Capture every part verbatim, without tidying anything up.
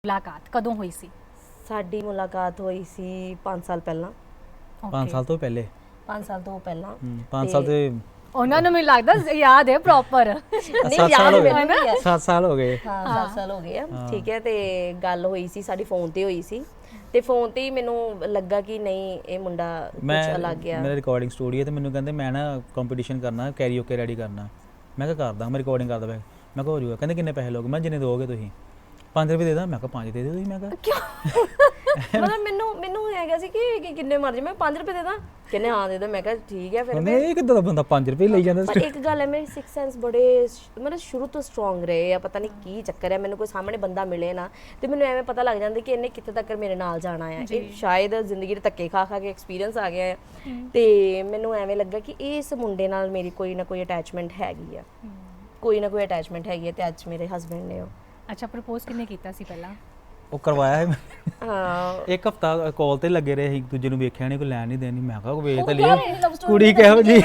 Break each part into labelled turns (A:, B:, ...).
A: ਮੁਲਾਕਾਤ ਕਦੋਂ ਹੋਈ ਸੀ?
B: ਸਾਡੀ ਮੁਲਾਕਾਤ ਹੋਈ ਸੀ ਪੰਜ ਸਾਲ ਪਹਿਲਾਂ।
C: ਪੰਜ ਸਾਲ ਤੋਂ ਪਹਿਲੇ
B: ਪੰਜ ਸਾਲ ਤੋਂ ਪਹਿਲਾਂ
C: ਪੰਜ ਸਾਲ ਤੇ
A: ਉਹਨਾਂ ਨੂੰ ਮੈਨੂੰ ਲੱਗਦਾ ਯਾਦ ਹੈ ਪ੍ਰੋਪਰ।
B: ਨਹੀਂ
C: ਸੱਤ ਸਾਲ
B: ਯਾਦ
C: ਹੋ
B: ਮੈਨੂੰ ਨਹੀਂ
C: ਗਏ
B: ਹੈ।
C: ਸੱਤ ਸਾਲ ਹੋ ਗਏ
B: ਹਾਂ ਸੱਤ ਸਾਲ ਹੋ ਗਏ ਆ। ਠੀਕ ਹੈ, ਤੇ ਗੱਲ ਹੋਈ ਸੀ ਸਾਡੀ ਫੋਨ ਤੇ ਹੋਈ ਸੀ, ਤੇ ਫੋਨ ਤੇ ਹੀ ਮੈਨੂੰ ਲੱਗਾ ਕਿ ਨਹੀਂ ਇਹ ਮੁੰਡਾ ਕੁਝ ਅਲੱਗ ਆ।
C: ਮੇਰਾ ਰਿਕਾਰਡਿੰਗ ਸਟੂਡੀਓ ਤੇ ਮੈਨੂੰ ਕਹਿੰਦੇ ਮੈਂ ਨਾ ਕੰਪੀਟੀਸ਼ਨ ਕਰਨਾ, ਕੈਰੀਓਕੇ ਰੈਡੀ ਕਰਨਾ। ਮੈਂ ਕਿਹਾ ਕਰਦਾ, ਮੈਂ ਰਿਕਾਰਡਿੰਗ ਕਰਦਾ ਪਿਆ। ਮੈਂ ਕਿਹਾ ਹੋ ਜੂਗਾ। ਕਹਿੰਦੇ ਕਿੰਨੇ ਪੈਸੇ ਲੋਗੇ? ਮੈਂ ਜਿੰਨੇ ਦੋਗੇ ਤੁਸੀਂ। ਪੰਜ ਰੁਪਏ ਦੇ ਦਾਂ? ਮੈਂ ਕਿਹਾ ਪੰਜ ਦੇ ਦਿਓ ਤੁਸੀਂ। ਮੈਂ ਕਿਹਾ
B: ਕਿਉਂ? ਮਤਲਬ ਮੈਨੂੰ ਮੈਨੂੰ ਹੈਗਾ ਸੀ ਕਿ ਕਿੰਨੇ ਮਰਜ਼ੀ ਮੈਂ ਪੰਜ ਰੁਪਏ ਦੇ ਦਾਂ। ਕਹਿੰਦੇ ਹਾਂ ਦੇ ਦੋ। ਮੈਂ ਕਿਹਾ ਠੀਕ ਹੈ। ਫਿਰ
C: ਕਹਿੰਦੇ ਇਹ ਕਿੱਦਾਂ ਦਾ ਬੰਦਾ ਪੰਜ ਰੁਪਏ ਲਈ ਜਾਂਦਾ?
B: ਪਰ ਇੱਕ ਗੱਲ ਹੈ, ਮੇਰੇ ਸਿਕਸ ਸੈਂਸ ਬੜੇ ਮਤਲਬ ਸ਼ੁਰੂ ਤੋਂ ਸਟਰੋਂਗ ਰਹੇ ਆ। ਪਤਾ ਨਹੀਂ ਕੀ ਚੱਕਰ ਹੈ, ਮੈਨੂੰ ਕੋਈ ਸਾਹਮਣੇ ਬੰਦਾ ਮਿਲੇ ਨਾ ਤੇ ਮੈਨੂੰ ਐਵੇਂ ਪਤਾ ਲੱਗ ਜਾਂਦਾ ਕਿ ਇਹਨੇ ਕਿੱਥੇ ਤੱਕ ਮੇਰੇ ਨਾਲ ਜਾਣਾ ਹੈ। ਇਹ ਸ਼ਾਇਦ ਜ਼ਿੰਦਗੀ ਦੇ ਧੱਕੇ ਖਾ ਖਾ ਕੇ ਐਕਸਪੀਰੀਅੰਸ ਆ ਗਿਆ ਹੈ, ਤੇ ਮੈਨੂੰ ਐਵੇਂ ਲੱਗਾ ਕਿ ਇਸ ਮੁੰਡੇ ਨਾਲ ਮੇਰੀ ਕੋਈ ਨਾ ਕੋਈ ਅਟੈਚਮੈਂਟ ਹੈਗੀ ਆ, ਕੋਈ ਨਾ ਕੋਈ ਅਟੈਚਮੈਂਟ ਹੈਗੀ ਹੈ। ਤੇ ਅੱਜ ਮੇਰੇ ਹਸਬੈਂਡ ਨੇ ਉਹ।
A: ਅੱਛਾ, ਪ੍ਰਪੋਜ਼ ਕਿੰਨੇ ਕੀਤਾ ਸੀ ਪਹਿਲਾਂ?
C: ਉਹ ਕਰਵਾਇਆ ਹੈ।
B: ਹਾਂ,
C: ਇੱਕ ਹਫਤਾ ਕਾਲ ਤੇ ਲੱਗੇ ਰਹੇ, ਇੱਕ ਦੂਜੇ ਨੂੰ ਵੇਖਿਆ ਨਹੀਂ, ਕੋਈ ਲੈਣ ਨਹੀਂ ਦੇਣੀ। ਮੈਂ ਕਿਹਾ ਵੇਖ ਤਾਂ ਲਿਓ ਕੁੜੀ ਕਿਹੋ ਜੀ।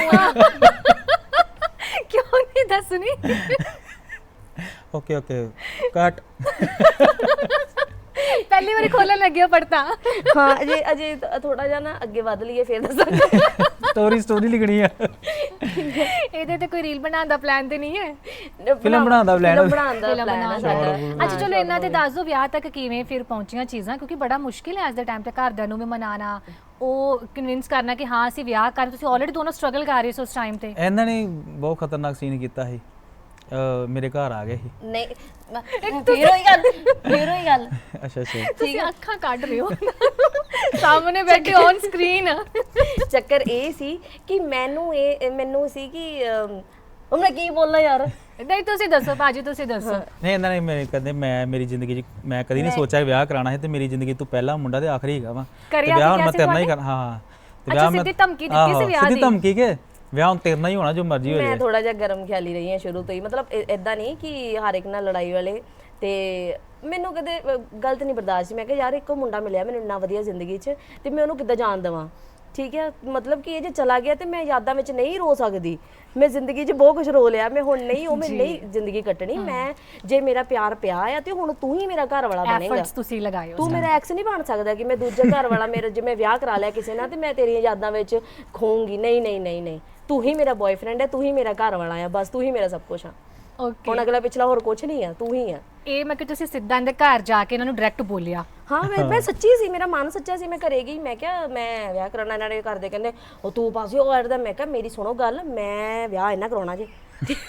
A: ਕਿਉਂ ਨਹੀਂ ਦੱਸਣੀ?
C: ਓਕੇ ਓਕੇ ਕੱਟ।
A: ਪਹਿਲੀ ਵਾਰੀ ਖੋਲਣ ਲੱਗਿਆ ਪੜਤਾ।
B: ਹਾਂ ਅਜੇ ਅਜੇ ਥੋੜਾ ਜਿਹਾ ਨਾ ਅੱਗੇ ਵਧ ਲਈਏ ਫਿਰ ਦੱਸਾਂਗੇ।
C: ਸਟੋਰੀ ਸਟੋਰੀ ਲਿਖਣੀ ਆ।
A: ਇਹਦੇ ਤੇ ਕੋਈ ਰੀਲ ਬਣਾਉਣ ਦਾ ਪਲਾਨ ਤੇ ਨਹੀਂ ਹੈ?
C: ਫਿਲਮ ਬਣਾਉਣ ਦਾ ਪਲਾਨ।
B: ਫਿਲਮ ਬਣਾਉਣ ਦਾ ਪਲਾਨ ਹੈ ਸਾਡਾ।
A: ਅੱਛਾ ਚਲੋ ਇਹਨਾਂ ਤੇ ਦੱਸ ਦਿਓ ਵਿਆਹ ਤੱਕ ਕਿਵੇਂ ਫਿਰ ਪਹੁੰਚੀਆਂ ਚੀਜ਼ਾਂ, ਕਿਉਂਕਿ ਬੜਾ ਮੁਸ਼ਕਿਲ ਹੈ ਅੱਜ ਦੇ ਟਾਈਮ ਤੇ ਘਰਦਿਆਂ ਨੂੰ ਵੀ ਮਨਾਣਾ, ਉਹ ਕਨਵਿੰਸ ਕਰਨਾ ਕਿ ਹਾਂ ਅਸੀਂ ਵਿਆਹ ਕਰ। ਤੁਸੀਂ ਆਲਰੇਡੀ ਦੋਨੋਂ ਸਟਰਗਲ ਕਰ ਰਹੇ ਸੀ ਉਸ ਟਾਈਮ ਤੇ।
C: ਇਹਨਾਂ ਨੇ ਬਹੁਤ ਖਤਰਨਾਕ ਸੀਨ ਕੀਤਾ ਸੀ। ਮੇਰੇ ਘਰ ਆ ਗਏ ਸੀ।
B: ਨਹੀਂ ਫਿਰ ਹੋਈ ਗੱਲ, ਫਿਰ ਹੋਈ ਗੱਲ।
C: ਅੱਛਾ ਅੱਛਾ
A: ਤੁਸੀਂ ਅੱਖਾਂ ਕੱਢ ਰਹੇ ਹੋ ਸਾਹਮਣੇ ਬੈਠੇ ਔਨ ਸਕਰੀਨ।
B: ਚੱਕਰ ਇਹ ਸੀ ਕਿ ਮੈਨੂੰ ਇਹ ਮੈਨੂੰ ਸੀ ਕਿ ਉਹ ਮੈਂ ਕੀ ਬੋਲਣਾ ਯਾਰ।
A: ਨਹੀਂ ਤੁਸੀਂ ਦੱਸੋ ਭਾਜੀ, ਤੁਸੀਂ ਦੱਸੋ।
C: ਨਹੀਂ ਇਹਨਾਂ ਨੇ ਮੇਰੇ ਕਹਿੰਦੇ ਮੈਂ ਮੇਰੀ ਜ਼ਿੰਦਗੀ 'ਚ ਮੈਂ ਕਦੀ ਨਹੀਂ ਸੋਚਿਆ ਵਿਆਹ ਕਰਾਉਣਾ ਹੈ, ਤੇ ਮੇਰੀ ਜ਼ਿੰਦਗੀ ਤੋਂ ਪਹਿਲਾ ਮੁੰਡਾ ਤੇ ਆਖਰੀ ਹੈਗਾ ਵਾ, ਤੇ ਵਿਆਹ ਹੁਣ ਮੈਂ ਤੇਰੇ ਨਾਲ ਹੀ ਕਰਨਾ। ਹਾਂ ਤੇ ਵਿਆਹ ਮੈਂ
A: ਸਿੱਧੀ ਧਮਕੀ ਦਿੱਤੀ ਸੀ ਵਿਆਹ ਦੀ?
C: ਸਿੱਧੀ ਧਮਕੀ ਕਿ ਵਿਆਹ ਹੁਣ ਤੇਰੇ ਨਾਲ ਹੀ ਹੋਣਾ, ਜੋ ਮਰਜ਼ੀ ਹੋ ਜਾਏ।
B: ਮੈਂ ਥੋੜਾ ਜਿਹਾ ਗਰਮ ਖਿਆਲੀ ਰਹੀ ਹਾਂ ਸ਼ੁਰੂ ਤੋਂ ਹੀ, ਮਤਲਬ ਇਦਾਂ ਨਹੀਂ ਕਿ ਹਰ ਇੱਕ ਨਾਲ ਲੜਾਈ ਵਾਲੇ। ਤੇ ਮੈਨੂੰ ਕਦੇ ਗਲਤ ਨਹੀਂ ਬਰਦਾਸ਼ਤ ਸੀ। ਮੈਂ ਕਿਹਾ ਯਾਰ ਇੱਕੋ ਮੁੰਡਾ ਮਿਲਿਆ ਮੈਨੂੰ ਇੰਨਾ ਵਧੀਆ ਜ਼ਿੰਦਗੀ 'ਚ, ਤੇ ਮੈਂ ਉਹਨੂੰ ਕਿੱਦਾਂ ਜਾਣ ਦੇਵਾਂ? ਠੀਕ ਹੈ, ਮਤਲਬ ਕਿ ਇਹ ਜੇ ਚਲਾ ਗਿਆ ਤੇ ਮੈਂ ਯਾਦਾਂ ਵਿੱਚ ਨਹੀਂ ਰੋ ਸਕਦੀ। ਮੈਂ ਜ਼ਿੰਦਗੀ 'ਚ ਬਹੁਤ ਕੁਝ ਰੋ ਲਿਆ, ਮੈਂ ਹੁਣ ਨਹੀਂ ਉਹ ਮੈਂ ਨਹੀਂ ਜ਼ਿੰਦਗੀ ਕੱਟਣੀ। ਮੈਂ ਜੇ ਮੇਰਾ ਪਿਆਰ ਪਿਆ ਆ ਤੇ ਹੁਣ ਤੂੰ ਹੀ ਮੇਰਾ ਘਰ ਵਾਲਾ ਬਣੇਗਾ।
A: ਐਫਰਟਸ ਤੁਸੀਂ ਲਗਾਏ ਹੋ।
B: ਤੂੰ ਮੇਰਾ ਐਕਸ ਨਹੀਂ ਬਣ ਸਕਦਾ ਕਿ ਮੈਂ ਦੂਜੇ ਘਰ ਵਾਲਾ ਮੇਰਾ ਜੇ ਮੈਂ ਵਿਆਹ ਕਰਾ ਲਿਆ ਕਿਸੇ ਨਾਲ ਤੇ ਮੈਂ ਤੇਰੀਆਂ ਯਾਦਾਂ ਵਿੱਚ ਖੋਊਂਗੀ। ਨਹੀਂ ਨਹੀਂ ਨਹੀਂ ਨਹੀਂ, ਤੂੰ ਹੀ ਮੇਰਾ ਬॉयਫ੍ਰੈਂਡ ਹੈ, ਤੂੰ ਹੀ ਮੇਰਾ ਘਰ ਵਾਲਾ ਆ, ਬਸ ਤੂੰ ਹੀ ਮੇਰਾ ਸਭ ਕੁਝ ਆ।
A: ਓਕੇ,
B: ਹੁਣ ਅਗਲਾ ਪਿਛਲਾ ਹੋਰ ਕੁਝ ਨਹੀਂ ਆ, ਤੂੰ ਹੀ ਆ।
A: ਇਹ ਮੈਂ ਕਿ ਤੁਸੀਂ ਸਿੱਧਾ ਇਹਦੇ ਘਰ ਜਾ ਕੇ ਇਹਨਾਂ ਨੂੰ ਡਾਇਰੈਕਟ ਬੋਲਿਆ?
B: ਹਾਂ ਮੈਂ ਮੈਂ ਸੱਚੀ ਸੀ, ਮੇਰਾ ਮਨ ਸੱਚਾ ਸੀ। ਮੈਂ ਘਰੇ ਗਈ, ਮੈਂ ਕਿਹਾ ਮੈਂ ਵਿਆਹ ਕਰਾਉਣਾ। ਇਹਨਾਂ ਦੇ ਘਰ ਦੇ ਕਹਿੰਦੇ ਉਹ ਤੂੰ ਪਾਸੇ ਉਹ ਅੜਦਾ। ਮੈਂ ਕਿਹਾ ਮੇਰੀ ਸੁਣੋ ਗੱਲ, ਮੈਂ ਵਿਆਹ ਇਹਨਾਂ ਕਰਾਉਣਾ ਜੀ।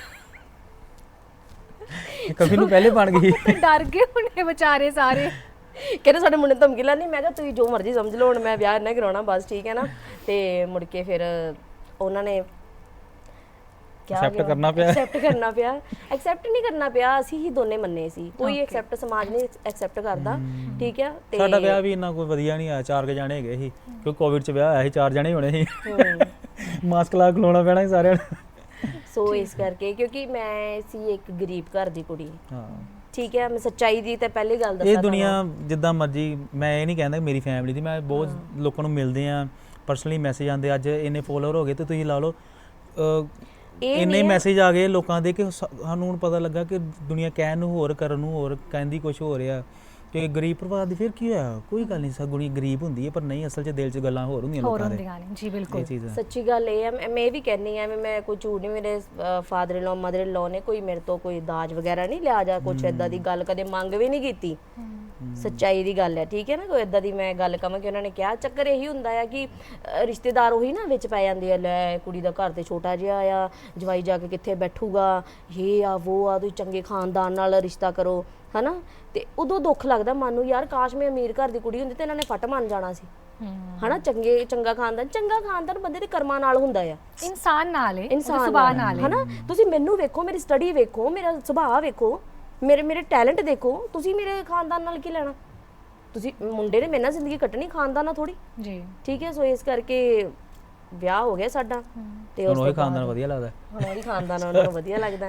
C: ਕभी ਨੂੰ ਪਹਿਲੇ ਬਣ ਗਈ।
A: ਡਰ ਗਏ ਹੁਣੇ ਵਿਚਾਰੇ ਸਾਰੇ।
B: ਕਹਿੰਦੇ ਸਾਡੇ ਮੁੰਡੇ ਧਮਕੀ ਲਾਣੀ। ਮੈਂ ਕਿਹਾ ਤੁਸੀਂ ਜੋ ਮਰਜ਼ੀ ਸਮਝ ਲਓ, ਹੁਣ ਮੈਂ ਵਿਆਹ ਇਹਨਾਂ ਕਰਾਉਣਾ ਬਸ, ਠੀਕ ਹੈ ਨਾ। ਤੇ ਮੁੜ ਕੇ ਫਿਰ ਉਹਨਾਂ ਨੇ
C: ਐਕਸੈਪਟ ਕਰਨਾ ਪਿਆ।
B: ਐਕਸੈਪਟ ਕਰਨਾ ਪਿਆ ਐਕਸੈਪਟ ਨਹੀਂ ਕਰਨਾ ਪਿਆ, ਅਸੀਂ ਹੀ ਦੋਨੇ ਮੰਨੇ ਸੀ। ਕੋਈ ਐਕਸੈਪਟ ਸਮਾਜ ਨਹੀਂ ਐਕਸੈਪਟ ਕਰਦਾ, ਠੀਕ ਹੈ। ਤੇ
C: ਸਾਡਾ ਵਿਆਹ ਵੀ ਇੰਨਾ ਕੋਈ ਵਧੀਆ ਨਹੀਂ ਆਇਆ। ਚਾਰ ਕੇ ਜਾਣੇ ਹੈਗੇ ਸੀ, ਕਿਉਂਕਿ ਕੋਵਿਡ 'ਚ ਵਿਆਹ ਆਇਆ ਸੀ, ਚਾਰ ਜਾਣੇ ਹੋਣੇ ਸੀ। ਮਾਸਕ ਲਾ ਕੇ ਖਲੋਣਾ ਪੈਣਾ ਸੀ ਸਾਰਿਆਂ ਨੂੰ।
B: ਸੋ ਇਸ ਕਰਕੇ, ਕਿਉਂਕਿ ਮੈਂ ਸੀ ਇੱਕ ਗਰੀਬ ਘਰ ਦੀ ਕੁੜੀ,
C: ਹਾਂ
B: ਠੀਕ ਹੈ। ਮੈਂ ਸੱਚਾਈ ਦੀ ਤੇ ਪਹਿਲੀ ਗੱਲ ਦੱਸਾਂ,
C: ਇਹ ਦੁਨੀਆ ਜਿੱਦਾਂ ਮਰਜੀ, ਮੈਂ ਇਹ ਨਹੀਂ ਕਹਿੰਦਾ ਮੇਰੀ ਫੈਮਿਲੀ ਦੀ, ਮੈਂ ਬਹੁਤ ਲੋਕਾਂ ਨੂੰ ਮਿਲਦੇ ਆ, ਪਰਸਨਲੀ ਮੈਸੇਜ ਆਉਂਦੇ। ਅੱਜ ਇੰਨੇ ਫੋਲੋਅਰ ਹੋ ਗਏ ਤੇ ਤੁਸੀਂ ਲਾ ਲਓ ਇੰਨੇ ਮੈਸੇਜ ਆ ਗਏ ਲੋਕਾਂ ਦੇ ਕਿ ਸਾਨੂੰ ਹੁਣ ਪਤਾ ਲੱਗਾ ਕਿ ਦੁਨੀਆ ਕਹਿਣ ਨੂੰ ਹੋਰ, ਕਰਨ ਨੂੰ ਹੋਰ, ਕਹਿੰਦੀ ਕੁਝ ਹੋ ਰਿਹਾ। ਕਿ ਗਰੀਬ ਪਰਿਵਾਰ ਦੀ ਫਿਰ ਕੀ ਹੋਇਆ? ਕੋਈ ਗੱਲ ਨਹੀਂ, ਸਗੁਣੀ ਗਰੀਬ ਹੁੰਦੀ ਹੈ, ਪਰ ਨਹੀਂ ਅਸਲ 'ਚ ਦਿਲ 'ਚ ਗੱਲਾਂ ਹੋਰ ਹੁੰਦੀਆਂ ਲੋਕਾਂ ਦੇ।
A: ਜੀ ਬਿਲਕੁਲ,
B: ਸੱਚੀ ਗੱਲ ਇਹ ਹੈ। ਮੈਂ ਇਹ ਵੀ ਕਹਿੰਦੀ ਆ, ਮੈਂ ਕੋਈ ਝੂਠ ਨਹੀਂ, ਮੇਰੇ father in low mother in ਲੋ ਨੇ ਕੋਈ ਮੇਰੇ ਤੋਂ ਕੋਈ ਦਾਜ ਵਗੈਰਾ ਨਹੀਂ ਲਿਆ ਜਾਂ ਕੁਛ ਏਦਾਂ ਦੀ ਗੱਲ ਕਦੇ ਮੰਗ ਵੀ ਨਹੀਂ ਕੀਤੀ। ਸੱਚਾਈ ਦੀ ਗੱਲ ਹੈ, ਠੀਕ ਹੈ ਨਾ। ਕੋਈ ਏਦਾਂ ਦੀ ਮੈਂ ਗੱਲ ਕਵਾਂ ਕਿ ਉਹਨਾਂ ਨੇ ਕਿਹਾ, ਚੱਕਰ ਇਹੀ ਹੁੰਦਾ ਆ ਕਿ ਰਿਸ਼ਤੇਦਾਰ ਉਹੀ ਨਾ ਵਿੱਚ ਪੈ ਜਾਂਦੇ ਆ। ਲੈ ਕੁੜੀ ਦਾ ਘਰ ਤੇ ਛੋਟਾ ਜਿਹਾ ਆ, ਜਵਾਈ ਜਾ ਕੇ ਕਿੱਥੇ ਬੈਠੂਗਾ, ਇਹ ਆ ਉਹ ਆ, ਤੁਸੀਂ ਚੰਗੇ ਖਾਨਦਾਨ ਨਾਲ ਰਿਸ਼ਤਾ ਕਰੋ, ਹਨਾ। ਤੇ ਉਦੋਂ ਦੁੱਖ ਲੱਗਦਾ ਮਨ ਨੂੰ, ਯਾਰ ਕਾਸ਼ ਮੈਂ ਅਮੀਰ ਘਰ ਦੀ ਕੁੜੀ ਹੁੰਦੀ ਤੇ ਇਹਨਾਂ ਨੇ ਫਟ ਮੰਨ ਜਾਣਾ ਸੀ, ਹਨਾ। ਚੰਗੇ ਚੰਗਾ ਖਾਨਦਾਨ, ਚੰਗਾ ਖਾਨਦਾਨ ਬੰਦੇ ਦੇ ਕਰਮਾਂ ਨਾਲ ਹੁੰਦਾ ਆ,
A: ਇਨਸਾਨ ਨਾਲ,
B: ਇਨਸਾਨ
A: ਸੁਭਾਅ ਨਾਲ,
B: ਹਨਾ। ਤੁਸੀਂ ਮੈਨੂੰ ਵੇਖੋ, ਮੇਰੀ ਸਟੱਡੀ ਵੇਖੋ, ਮੇਰਾ ਸੁਭਾਅ ਵੇਖੋ, ਮੇਰੇ ਮੇਰੇ ਟੈਲੈਂਟ ਦੇਖੋ, ਤੁਸੀਂ ਮੇਰੇ ਖਾਨਦਾਨ ਨਾਲ ਕੀ ਲੈਣਾ? ਤੁਸੀਂ ਮੁੰਡੇ ਨੇ ਮੇਰੇ ਨਾਲ ਜ਼ਿੰਦਗੀ ਕੱਟਣੀ, ਖਾਨਦਾਨ ਨਾਲ ਥੋੜੀ ਜੀ, ਠੀਕ ਹੈ। ਸੋ ਇਸ ਕਰਕੇ ਵਿਆਹ ਹੋ ਗਿਆ ਸਾਡਾ, ਤੇ
C: ਉਸ ਤੋਂ ਖਾਨਦਾਨ ਵਧੀਆ ਲੱਗਦਾ,
B: ਹੁਣ ਉਹੀ ਖਾਨਦਾਨ ਉਹਨਾਂ ਨੂੰ ਵਧੀਆ ਲੱਗਦਾ।